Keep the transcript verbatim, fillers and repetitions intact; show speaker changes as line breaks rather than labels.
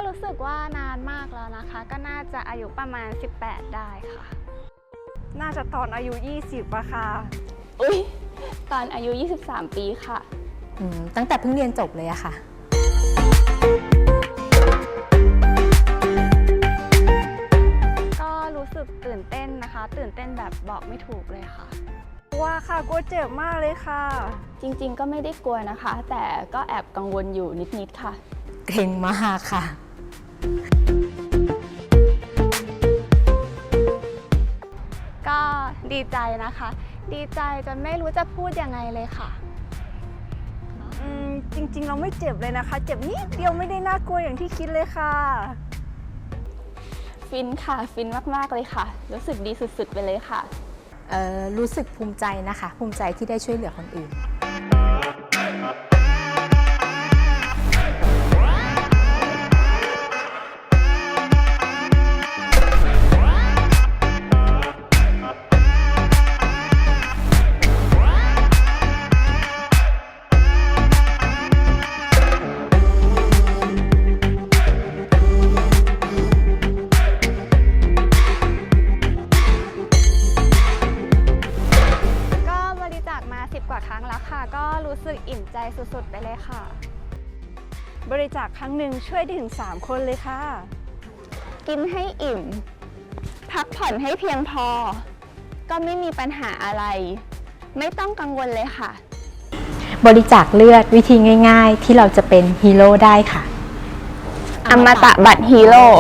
รู้สึกว่านานมากแล้วนะคะ ก็น่าจะอายุประมาณสิบแปดได้ค่ะ
น่าจะตอนอายุยี่สิบอะค่ะ
อุ๊ยตอนอายุยี่สิบสามปีค่ะ
ตั้งแต่เพิ่งเรียนจบเลยอะค่ะ
ก็รู้สึกตื่นเต้นนะคะ ตื่นเต้นแบบบอกไม่ถูกเลยค่ะ
ว่าค่ะกลัวเจ็บมากเลยค่ะ
จริงๆก็ไม่ได้กลัวนะคะ แต่ก็แอบกังวลอยู่นิดๆค่ะ
เกรงมากค่ะ
ก็ดีใจนะคะ ดีใจจนไม่รู้จะพูดยังไงเลยค่ะ
อืมจริงๆเราไม่เจ็บเลยนะคะ เจ็บนิดเดียวไม่ได้น่ากลัวอย่างที่คิดเลยค่ะ
ฟินค่ะฟินมากๆเลยค่ะรู้สึกดีสุดๆไปเลยค่ะ
เอ่อรู้สึกภูมิใจนะคะภูมิใจที่ได้ช่วยเหลือคนอื่น
กว่าครั้งแล้วค่ะก็รู้สึกอิ่มใจสุดๆไปเลยค่ะ
บริจาคครั้งหนึ่งช่วยได้ถึงสามคนเลยค่ะ
กินให้อิ่มพักผ่อนให้เพียงพอก็ไม่มีปัญหาอะไรไม่ต้องกังวลเลยค่ะ
บริจาคเลือดวิธีง่ายๆที่เราจะเป็นฮีโร่ได้ค่ะ
อมตะบัตรฮีโร่